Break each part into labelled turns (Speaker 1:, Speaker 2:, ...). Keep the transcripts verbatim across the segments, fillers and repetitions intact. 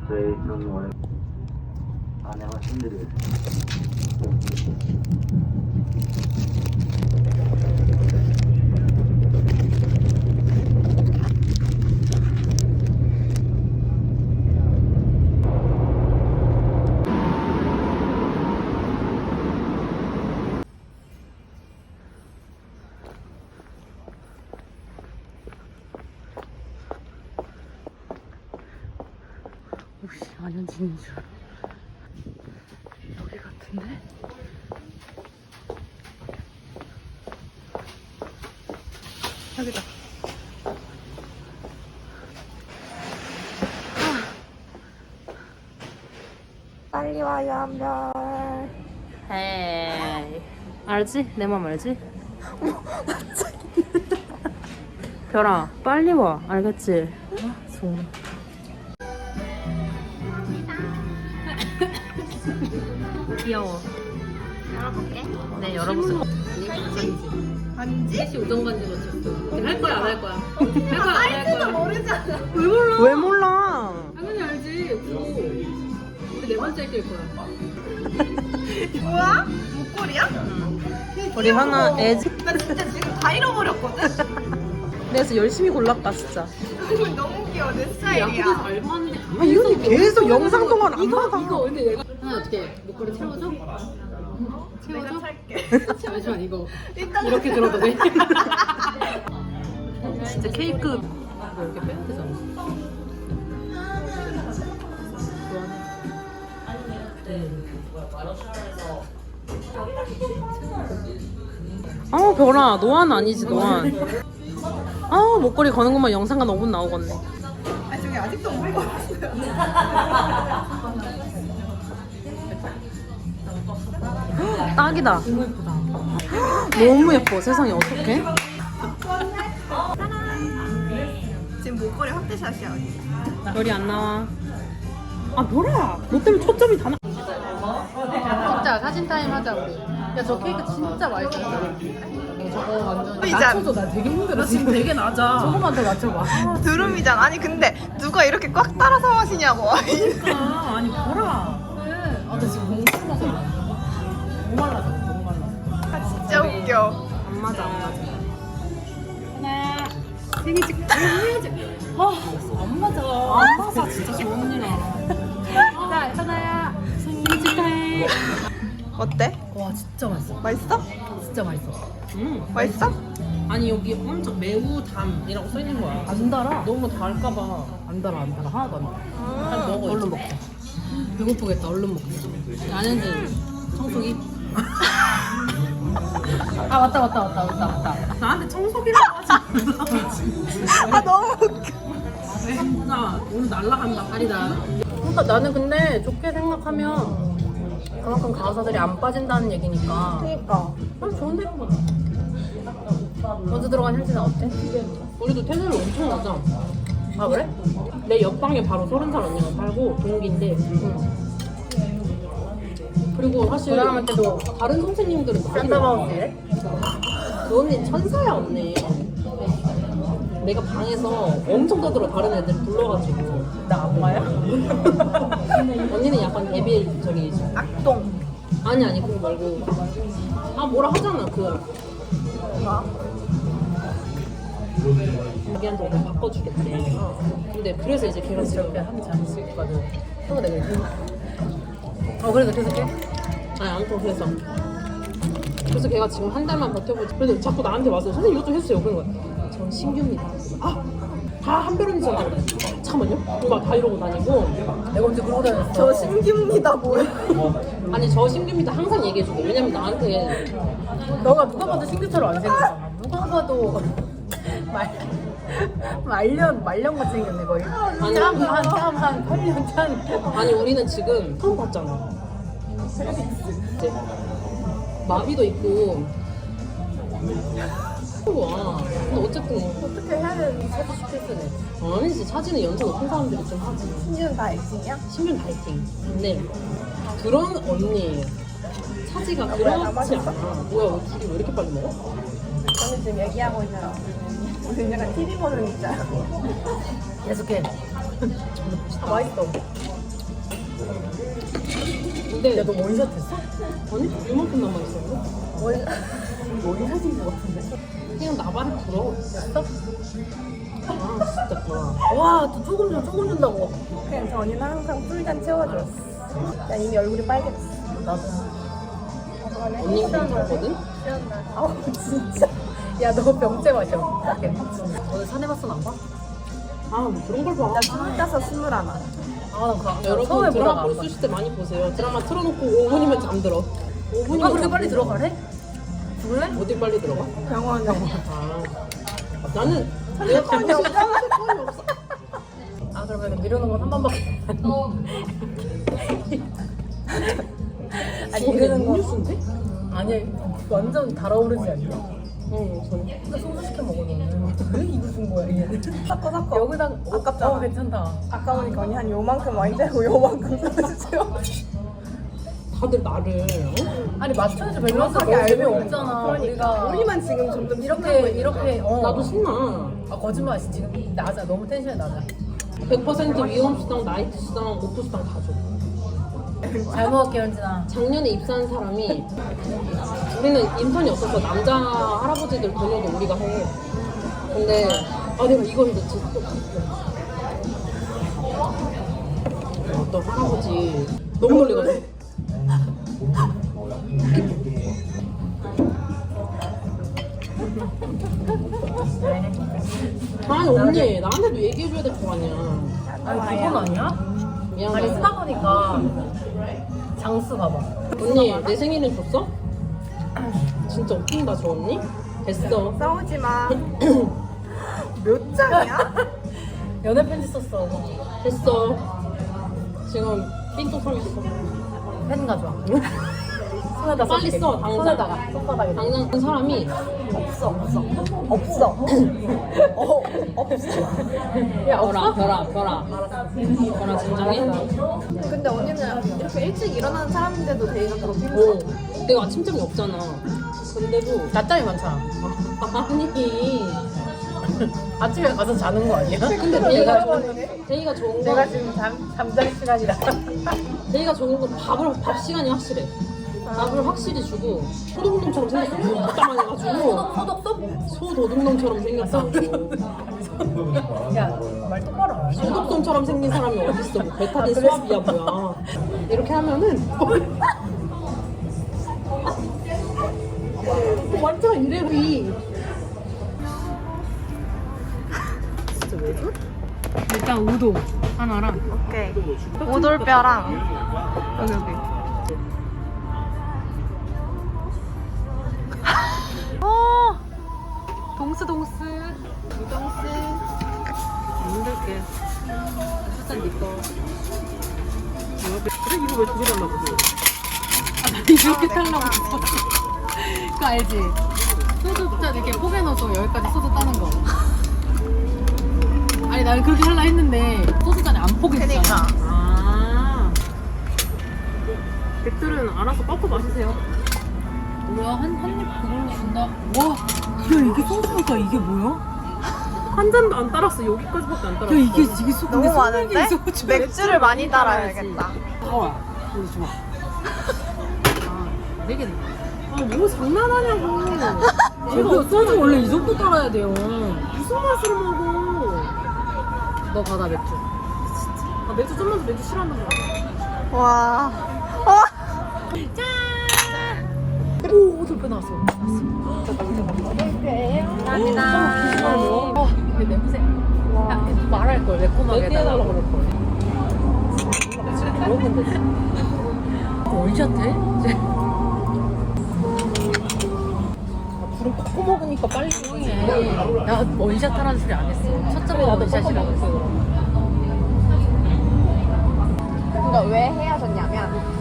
Speaker 1: 저희 좀 원래 아내가 힘들겠어요.
Speaker 2: 혹시 안현진인 줄. 여기 같은데? 여기다.
Speaker 3: 빨리 와요 한별.
Speaker 2: 에이. 알지? 내 맘 알지? 별아, 빨리 와. 알겠지? 아, 정말. 귀여워.
Speaker 3: 열어볼게.
Speaker 2: 네, 열어보세요.
Speaker 3: 반지?
Speaker 2: 셋이 우정 반지 맞췄어. 할 거야, 안 할 거야? 할 거야, 안 할 거야?
Speaker 3: 모르잖아.
Speaker 2: 왜 몰라?
Speaker 4: 왜 몰라?
Speaker 2: 당연히 알지. 그거. 우리 네 번째 낄 거야.
Speaker 3: 뭐야? 목걸이야?
Speaker 4: 우리 하나 애지.
Speaker 3: 나 진짜 지금 다 잃어버렸거든?
Speaker 4: 그래서 열심히 골랐다 진짜.
Speaker 3: 너무 귀여워 내
Speaker 2: 야구에서
Speaker 3: 스타일이야.
Speaker 2: 알바하는데
Speaker 4: 아 이건 계속 영상 동안 안
Speaker 2: 이거
Speaker 4: 받아.
Speaker 2: 이거 근데 내가 하나 어떻게 목걸이 채워줘?
Speaker 3: 내가
Speaker 2: 채워줘?
Speaker 3: 살게.
Speaker 2: 잠시만 이거
Speaker 3: 일단
Speaker 2: 이렇게 들어도 돼? 진짜 케이크 이거 이렇게 빼야 되잖아.
Speaker 4: 아우 별아 노안 아니지 노안. 아우 목걸이 거는 것만 영상가 오 분 나오겠네.
Speaker 3: 아 저기 아직도 못 입었어요.
Speaker 4: 딱이다. 너무 예뻐. 세상에 어떡해?
Speaker 3: 지금 목걸이 확대샷이야 언니.
Speaker 4: 별이 안 나와. 아 별아 너 때문에 초점이 다 나.
Speaker 2: 진짜 사진 타임 하자 우리. 야 저 케이크 진짜 맛있었어. 저거 완전
Speaker 3: 이제
Speaker 2: 낮춰줘. 나 되게 힘들어 지금. 되게 낮아. 저거만 더 낮춰봐.
Speaker 3: 드rum이잖아. 아니 근데 누가 이렇게 꽉 따라서 마시냐고.
Speaker 4: 아 아니 별아.
Speaker 2: 그래. 아나 지금 너무 추워서 너무 말라서 너무 말라서.
Speaker 3: 아, 진짜 웃겨.
Speaker 4: 안 맞아 안 맞아.
Speaker 2: 하나 생일 축 해야지. 아안 맞아. 안 맞아 진짜 좋은 일이야. 자 하나야 생일 축하해.
Speaker 3: 어때?
Speaker 2: 와 진짜 맛있어.
Speaker 3: 맛있어?
Speaker 2: 진짜 맛있어.
Speaker 4: 음.
Speaker 3: 맛있어?
Speaker 4: 아니 여기 엄청 매우 담이라고 써 있는 거야.
Speaker 2: 안 달아.
Speaker 4: 너무 달까봐.
Speaker 2: 안 달아 안 달아 하나도 안 달아.
Speaker 4: 빨리 먹어.
Speaker 2: 얼른
Speaker 4: 이제.
Speaker 2: 먹자. 배고프겠다. 얼른 먹자.
Speaker 4: 안현진 청소기.
Speaker 2: 아 맞다 맞다 맞다 맞다 맞다.
Speaker 4: 나한테 청소기라고 하지 마.
Speaker 3: 아 너무 웃겨.
Speaker 4: 진짜 오늘 날라간다 파리다.
Speaker 2: 그러니까 나는 근데 좋게 생각하면 그만큼 가사들이 안 빠진다는 얘기니까.
Speaker 3: 그니까.
Speaker 2: 아 좋은데? 먼저 들어간 현진아 어때?
Speaker 4: 우리도 텐션을 엄청 낮아.
Speaker 2: 아 그래?
Speaker 4: 내 옆방에 바로 서른 살 언니가 살고 동기인데.
Speaker 2: 응.
Speaker 4: 그리고 사실
Speaker 2: 그 사람한테도
Speaker 4: 다른 선생님들은 많이
Speaker 2: 산타바우스래?
Speaker 4: 그 언니 천사야 언니. 내가 방에서 엄청 떠들어 다른 애들 불러가지고.
Speaker 2: 나 악마야?
Speaker 4: 언니는 약간 데뷔 저기
Speaker 3: 악동.
Speaker 4: 아니 아니 그거 말고 아 뭐라 하잖아 그
Speaker 3: 뭐?
Speaker 4: 자기한테 오늘 바꿔주겠대. 근데 그래서 이제 걔가 지금
Speaker 2: 저렇게 하면 잘했을 거든. 또 내가 이렇게. 어 그래서 계속해?
Speaker 4: 아니 아무튼 그래서 그래서 걔가 지금 한 달만 버텨보지. 근데 자꾸 나한테 와서 선생님 이것 좀 해주세요. 그런 거야. 전 신규입니다. 아다 한별언니잖아. 잠깐만요. 누가 다 이러고 다니고.
Speaker 2: 내가 언제 그러고 다녔어?
Speaker 3: 저 신기입니다 뭐야?
Speaker 4: 아니 저 신규입니다 항상 얘기해주고. 왜냐면 나한테
Speaker 2: 너가 누가 봐도 신규처럼 안 생겼잖아. 누가 봐도 말 말년 말년 같이 생겼네 거의.
Speaker 4: 아니,
Speaker 2: 짬한짬한 팔 년 짠.
Speaker 4: 아니 우리는 지금 처음 봤잖아. 이제 마비도 있고. 와. 근데 어쨌든
Speaker 3: 어떻게 해야 되는지.
Speaker 2: 사주 스트레스네.
Speaker 4: 아니지 차지는 연차 높은 사람들이 좀 하지.
Speaker 3: 신기는 다 액진이야?
Speaker 4: 신변 다이팅. 근데 그런 언니 차지가
Speaker 3: 뭐야,
Speaker 4: 그렇지
Speaker 3: 다 마셨어?
Speaker 4: 않아. 뭐야 왜 둘이 왜 이렇게 빨리 먹어?
Speaker 3: 저는 지금 얘기하고 있어요. 무슨 약간 티비 보는 입장.
Speaker 2: 계속해.
Speaker 3: 아 맛있어.
Speaker 4: 근데
Speaker 2: 야너 원샷 했어?
Speaker 4: 아니 이만큼 남아있었는데?
Speaker 2: 원 원샷인 것 같은데.
Speaker 4: 그냥 나발을 불어.
Speaker 2: 됐어?
Speaker 4: 아 진짜 불어.
Speaker 2: 와또 조금 좀 조금 준다고.
Speaker 5: 그냥 전이는 항상 풀잔 채워줬어. 야 이미 얼굴이 빨개졌어.
Speaker 2: 나도.
Speaker 4: 언니 괜찮거든?
Speaker 5: 아우 진짜.
Speaker 2: 야 너 병째 마셔. 딱해. 오늘 사내봤어 안 봐?
Speaker 4: 아뭐 그런 걸 봐.
Speaker 5: 나 스물다섯 스물하나.
Speaker 2: 아나 그
Speaker 4: 여러분
Speaker 2: 처음에
Speaker 4: 드라마
Speaker 2: 보다가
Speaker 4: 볼
Speaker 2: 안
Speaker 4: 수 있을 때 많이 보세요. 드라마 틀어놓고 오 분이면 잠들어. 오 분이면
Speaker 2: 아 그렇게 빨리 들어가래? 죽을래?
Speaker 4: 어딜 빨리 들어가?
Speaker 5: 병원에.
Speaker 4: 아 나는 내가 가는 시간 시간이 없어.
Speaker 2: 아 그러면 미루는 건 한 번밖에. 아니 미루는 거
Speaker 4: 음료수인데?
Speaker 2: 아니 완전 달아오르지 않냐?
Speaker 4: 응 전.
Speaker 2: 근데 소주 시켜 먹어 너는. 왜 이거 준 거야 얘는?
Speaker 5: 섞어 섞어.
Speaker 2: 여기다
Speaker 5: 아깝잖아.
Speaker 2: 어 괜찮다.
Speaker 5: 아까우니까 언니 한 요만큼 와인 되고 요만큼 소주 채워.
Speaker 4: 다들 나를 어?
Speaker 2: 아니 맞춰야지 밸런스
Speaker 5: 정확하게
Speaker 2: 너무
Speaker 5: 알고
Speaker 2: 재미없잖아.
Speaker 5: 그러니까
Speaker 2: 우리가
Speaker 5: 우리만 지금 점점
Speaker 2: 이렇게 이렇게 어.
Speaker 4: 나도 신나.
Speaker 2: 아 거짓말 지금 낮아 너무 텐션이 낮아.
Speaker 4: 백 퍼센트 위험 수당, 나이트 수당, 오프 수당 다 줘.
Speaker 2: 잘 먹을게 현진아.
Speaker 4: 작년에 입사한 사람이 우리는 인턴이 없어서 남자 할아버지들 번역을 우리가 해. 근데 아 내가 이거 해줬지. 어떤 할아버지 너무 놀래가지고. 아니 언니 나한테도 얘기해줘야 될 거 아니야.
Speaker 2: 아니 그건 아니야?
Speaker 4: 미안해.
Speaker 2: 아니 쓰다 보니까 장수 봐봐.
Speaker 4: 언니 내 생일은 줬어? 진짜 웃긴다 저 언니. 됐어.
Speaker 5: 싸우지 마. 몇 장이야?
Speaker 2: 연애 편지 썼어.
Speaker 4: 됐어. 지금 삔또 서 있어.
Speaker 2: 펜 가져와. 손에다
Speaker 4: 빨리
Speaker 2: 써줄게.
Speaker 4: 써, 당장.
Speaker 2: 손에다가 손바닥에.
Speaker 4: 당장 그 사람이
Speaker 5: 없어 없어. 없어. 어 없어.
Speaker 2: 야
Speaker 4: 별아
Speaker 2: 없어?
Speaker 4: 별아 별아 별아 진정해.
Speaker 5: 근데 언니는 이렇게 일찍 일어나는 사람인데도 데이가 그렇게 힘들어.
Speaker 4: 오 내가 아침잠이 없잖아. 근데도
Speaker 2: 낮잠이 많잖아.
Speaker 4: 아니
Speaker 2: 아침에 가서 자는 거 아니야?
Speaker 4: 근데 데이가 좋은 데이가 좋은 건
Speaker 2: 내가 지금 잠 잠잘 시간이라.
Speaker 4: 데이가 좋은 건 밥을 밥 시간이 확실해. 밥을 확실히 주고 소도둑놈처럼 생겼어. 진짜 많이 해가지고
Speaker 2: 소독소?
Speaker 4: 소도둑놈처럼 생겼어.
Speaker 2: 야말 똑바로 안 해.
Speaker 4: 소독손처럼 생긴 사람이 어딨어. 뭐 베타딘 수압이야 뭐야. 이렇게 하면은 완전 이래리. 진짜 왜 줘?
Speaker 2: 일단 우도 하나랑
Speaker 3: 오케이. 오돌뼈랑 여기 여기. 어. 동스 동스.
Speaker 4: 우동스. 힘들게. 일단 니꺼. 그래 이거 왜 두 개 달라고 그래?
Speaker 2: 이렇게 타려고 했어. 그거 알지? 소주 짠 이렇게 포개 넣어서 여기까지 소주 따는 거. 아니 나는 그렇게 하려 했는데 소주 잔이 안 포개지잖아.
Speaker 3: 그니까.
Speaker 4: 아. 백들은 알아서 꺾어 마시세요.
Speaker 2: 뭐야 한 한 입 그걸로 준다. 와, 야 이게 소주니까 이게 뭐야?
Speaker 4: 한 잔도 안 따랐어. 여기까지밖에 안 따랐어.
Speaker 2: 야 이게 이게 소
Speaker 3: 너무
Speaker 2: 이게
Speaker 3: 많은데?
Speaker 2: 소주.
Speaker 3: 맥주를 많이 따라야겠다.
Speaker 2: 좋아. 이거 좋아. 아, 되게.
Speaker 4: 아뭐 장난하냐고.
Speaker 2: 이거 소주 원래 이 정도 따라야 돼요.
Speaker 4: 무슨 맛으로 먹어?
Speaker 2: 너 받아 맥주.
Speaker 4: 아 맥주 좀만 더 맥주 싫어한단 말이야.
Speaker 3: 와. 와.
Speaker 2: 오, 돌배 나왔어.
Speaker 3: 감사합니다.
Speaker 2: 어, 근데 냄새. 야, 이거 말할 걸 매콤하게
Speaker 4: 얘기해달라고 그럴 걸. 먹으면 되지.
Speaker 2: 원샷해?
Speaker 4: 아, 불을 꺾고 먹으니까 빨리
Speaker 2: 조용해. 나 원샷 하라는 소리 안 했어. 첫 점에 나도 원샷이라고 했어.
Speaker 5: 그러니까 왜 헤어졌냐면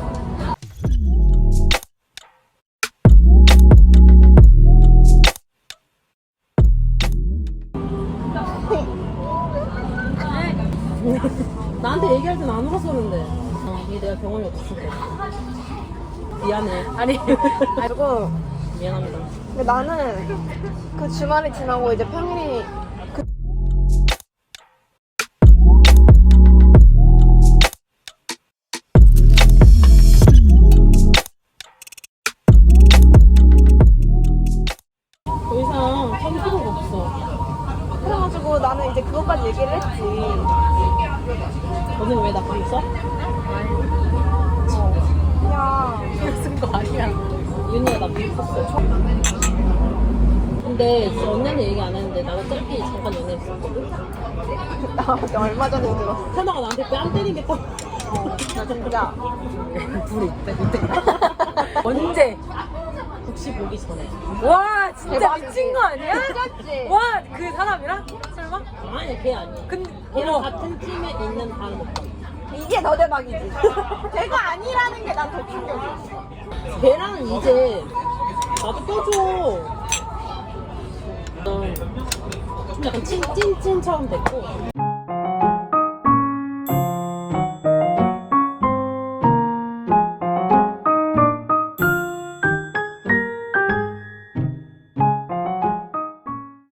Speaker 4: 나한테 얘기할 땐 안 울었었는데. 어, 이게 내가 경험이 없었을 때. 미안해.
Speaker 2: 아니,
Speaker 5: 그리고
Speaker 4: 미안합니다.
Speaker 5: 근데 나는 그 주말이 지나고 이제 평일이
Speaker 4: 왜 나 방 써?
Speaker 2: 쓴 거 아니야.
Speaker 4: 윤희야 나 방 썼어. 근데 언니는 얘기 안 했는데 나도 짧게 잠깐 연애했었거든?
Speaker 5: 나 얼마 전에 들었어.
Speaker 4: 현아가 나한테 뺨 때리겠다.
Speaker 5: 나 진짜.
Speaker 2: 불이 있대, 밑에. 언제?
Speaker 4: 국시 보기 전에.
Speaker 2: 와, 진짜
Speaker 5: 대박이지.
Speaker 2: 미친 거 아니야?
Speaker 5: 미쳤지?
Speaker 2: 와, 그 사람이랑? 설마?
Speaker 4: 아니 걔 아니야.
Speaker 2: 근데,
Speaker 4: 걔랑
Speaker 2: 어머.
Speaker 4: 같은 팀에 있는 다른 오빠.
Speaker 5: 이게 더 대박이지. 걔가 아니라는 게 난 더 충격이야.
Speaker 4: 걔랑 이제 나도 껴줘. 좀 약간 찐찐찐처럼 됐고.